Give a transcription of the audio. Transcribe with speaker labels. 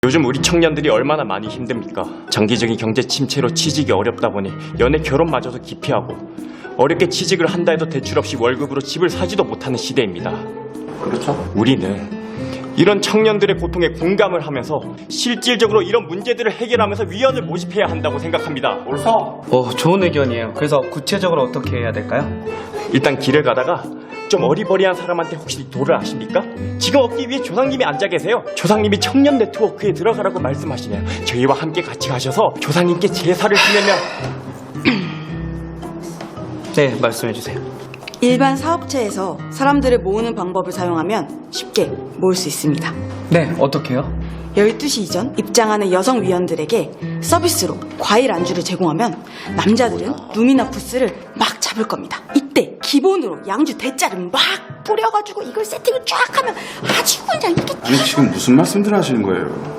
Speaker 1: 요즘 우리 청년들이 얼마나 많이 힘듭니까? 장기적인 경제 침체로 취직이 어렵다 보니 연애 결혼마저도 기피하고 어렵게 취직을 한다 해도 대출 없이 월급으로 집을 사지도 못하는 시대입니다.
Speaker 2: 그렇죠.
Speaker 1: 우리는 이런 청년들의 고통에 공감을 하면서 실질적으로 이런 문제들을 해결하면서 위원을 모집해야 한다고 생각합니다.
Speaker 2: 옳소.
Speaker 3: 좋은 의견이에요. 그래서 구체적으로 어떻게 해야 될까요?
Speaker 1: 일단 길을 가다가 좀 어리버리한 사람한테 혹시 도를 아십니까? 지금 얻기 위해 조상님이 앉아 계세요. 조상님이 청년 네트워크에 들어가라고 말씀하시네요. 저희와 함께 같이 가셔서 조상님께 제사를 지내면
Speaker 3: 네, 말씀해주세요.
Speaker 4: 일반 사업체에서 사람들을 모으는 방법을 사용하면 쉽게 모을 수 있습니다.
Speaker 3: 네, 어떻게 해요?
Speaker 4: 12시 이전 입장하는 여성 위원들에게 서비스로 과일 안주를 제공하면 남자들은 룸이나 부스를 막 잡을 겁니다. 이때 기본으로 양주 대짜를 막 뿌려가지고 이걸 세팅을 쫙 하면 아주 그냥 이렇게
Speaker 2: 아니 지금 무슨 말씀들 하시는 거예요?